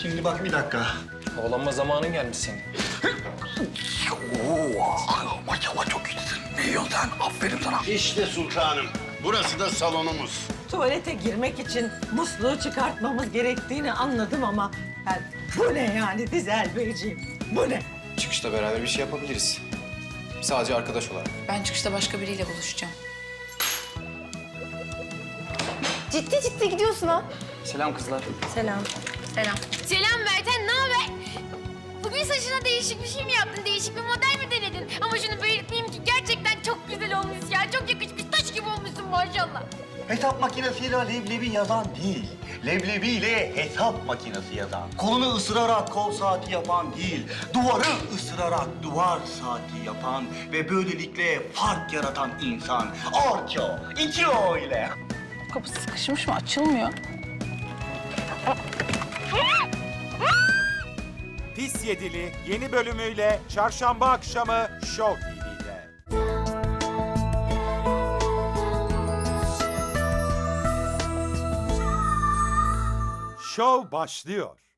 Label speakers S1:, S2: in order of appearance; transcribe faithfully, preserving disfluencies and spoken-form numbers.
S1: Şimdi bak bir dakika.
S2: Havalanma zamanın gelmiş senin.
S1: Oo, maşallah çok iyisin. Ne yiyorsun sen? Aferin sana.
S3: İşte sultanım. Burası da salonumuz.
S4: Tuvalete girmek için musluğu çıkartmamız gerektiğini anladım ama... Yani bu ne yani Dizel Beyciğim? Bu ne?
S2: Çıkışta beraber bir şey yapabiliriz. Sadece arkadaş olarak.
S5: Ben çıkışta başka biriyle buluşacağım.
S6: Ciddi ciddi gidiyorsun ha.
S2: Selam kızlar.
S6: Selam.
S5: Selam.
S7: Selam Merten, ne haber? Bugün saçına değişik bir şey mi yaptın? Değişik bir model mi denedin? Ama şunu belirtmeyeyim ki gerçekten çok güzel olmuş ya. Çok yakışmış, taş gibi olmuşsun maşallah.
S1: Hesap makinesiyle leblebi yazan değil. Leblebiyle hesap makinesi yazan. Kolunu ısırarak kol saati yapan değil. Duvarı ısırarak duvar saati yapan ve böylelikle fark yaratan insan. Orço, iki o ile.
S5: Kapı sıkışmış mı? Açılmıyor.
S8: Pis Yedili yeni bölümüyle çarşamba akşamı Show T V'de. Show başlıyor.